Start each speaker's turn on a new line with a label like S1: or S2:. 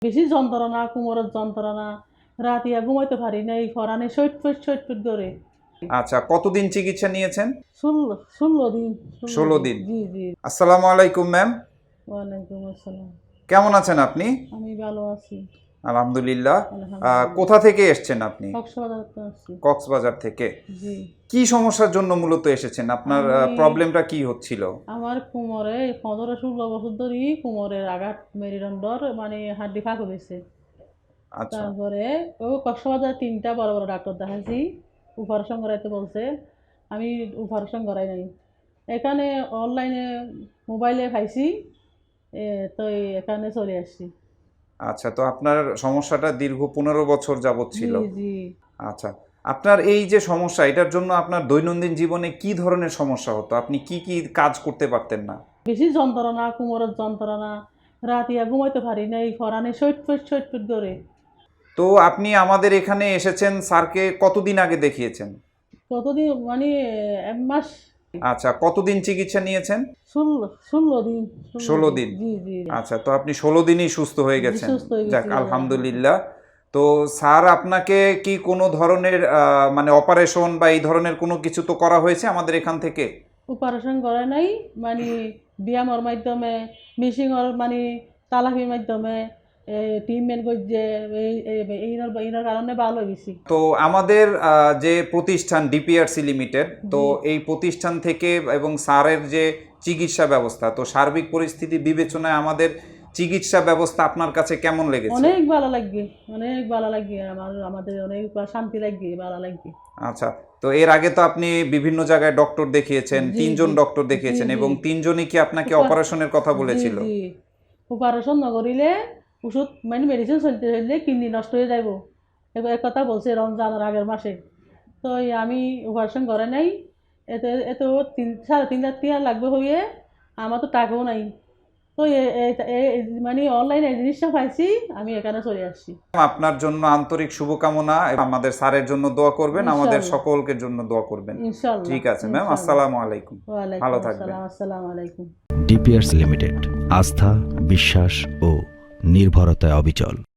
S1: বেশি যন্ত্রণা, কোমরের যন্ত্রণা, রাতিয়া ঘুমাইতে পারি নাই, ফরানে সইট করে।
S2: আচ্ছা, কতদিন চিকিৎসা নিয়েছেন?
S1: 16 দিন।
S2: 16 দিন।
S1: জি জি।
S2: আসসালামু আলাইকুম ম্যাম,
S1: ওয়ালাইকুম আসসালাম।
S2: কেমন আছেন আপনি?
S1: আমি ভালো আছি,
S2: আলহামদুলিল্লাহ।
S1: আলহামদুলিল্লাহ।
S2: কোথা থেকে এসেছেন আপনি?
S1: কক্সবাজার তো আছি।
S2: কক্সবাজার থেকে।
S1: জি।
S2: কি সমস্যার জন্য মূলত এসেছেন? আপনার
S1: আমি
S2: প্রবলেমটা কি হচ্ছিল?
S1: আমার কোমরে 15-16 বছর ধরেই কোমরের আঘাত, মেরুদণ্ডর মানে হাড্ডি ফাঁক হয়েছে।
S2: আচ্ছা
S1: তারপরে কক্সবাজার 3টা বড় বড় ডাক্তার দেখাইছি, অপারেশন করাইতে বলছে। আমি অপারেশন করাই নাই। এখানে অনলাইনে মোবাইলে পাইছি, তো এখানে চলে আসছি।
S2: আচ্ছা, তো আপনার সমস্যাটা দীর্ঘ 15 বছর যাবৎ
S1: জি
S2: ছিল।
S1: জি।
S2: আচ্ছা, আপনার এই যে সমস্যা, এটার জন্য আপনার দৈনন্দিন জীবনে কি ধরনের সমস্যা হতো? আপনি কি কি কাজ করতে পারতেন না?
S1: বেশি যন্ত্রণা, কোমরের যন্ত্রণা, রাতিয়া ঘুমাইতে পারি নাই, ফরানে সইট করে।
S2: তো আপনি আমাদের এখানে এসেছেন, স্যারকে কতদিন আগে দেখিয়েছেন?
S1: কতদিন মানে 1 মাস।
S2: আচ্ছা, কতদিন চিকিৎসা নিয়েছেন?
S1: 16 দিন।
S2: 16 দিন।
S1: জি জি।
S2: আচ্ছা, তো আপনি 16 দিনই সুস্থ হয়ে
S1: জি,
S2: গেছেন।
S1: সুস্থ হয়ে
S2: যাক,
S1: গেছি।
S2: আলহামদুলিল্লাহ। তো স্যার আপনাকে কি কোনো ধরনের মানে অপারেশন বা এই ধরনের কোনো কিছু তো করা হয়েছে আমাদের এখান থেকে?
S1: অপারেশন করে নাই, মানে ব্যায়ামের মাধ্যমে, মিশিংয়ের মানে তালাফির মাধ্যমে, ট্রিটমেন্ট করছে, এইনার কারণে ভালো হয়ে গেছি।
S2: তো আমাদের যে প্রতিষ্ঠান ডিপিআরসি লিমিটেড, তো
S1: জি।
S2: এই প্রতিষ্ঠান থেকে এবং স্যারের যে চিকিৎসা ব্যবস্থা, তো সার্বিক পরিস্থিতি বিবেচনায় আমাদের চিকিৎসা ব্যবস্থা আপনার কাছে কেমন লেগেছে?
S1: অনেক ভালো লাগবে, অনেক ভালো লাগবে, আমাদের অনেক শান্তি লাগবে, ভালো লাগবে।
S2: আচ্ছা, তো এর আগে তো আপনি বিভিন্ন জায়গায় ডক্টর দেখিয়েছেন,
S1: জি
S2: 3জন
S1: জি
S2: ডক্টর
S1: জি
S2: দেখিয়েছেন,
S1: জি।
S2: এবং 3জনই কি আপনাকে
S1: উপা-
S2: অপারেশনের কথা
S1: জি
S2: বলেছিল?
S1: জি। অপারেশন নকরিলে, ওষুধ মানে মেডিসিন চলতে চললে কিডনি নষ্ট হয়ে যাইব, এক কথা বলছে রমজানের আগের মাসে। তো আমি অপারেশন করে নাই। এতে এত 3.5 লাখ টাকা লাগবে হইয়ে, আমার তো টাকাও নাই। তো মানে অনলাইনে এই জিনিসটা পাইছি, আমি এখানে চলে আসছি।
S2: আপনার জন্য আন্তরিক শুভকামনা, এবং আমাদের স্যারের জন্য দোয়া করবেন, আমাদের
S1: ইনশাল্লাহ।
S2: সকলকে জন্য দোয়া করবেন।
S1: ইনশাল্লাহ।
S2: ঠিক আছে ম্যাম,
S1: ইনশাল্লাহ।
S2: আসসালামু আলাইকুম।
S1: ওয়ালাইকুম
S2: ভালো থাকবেন।
S1: আসসালাম। আসসালামু আলাইকুম।
S3: ডিপিআরস লিমিটেড, আস্থা, বিশ্বাস ও নির্ভরতায় অবিচল।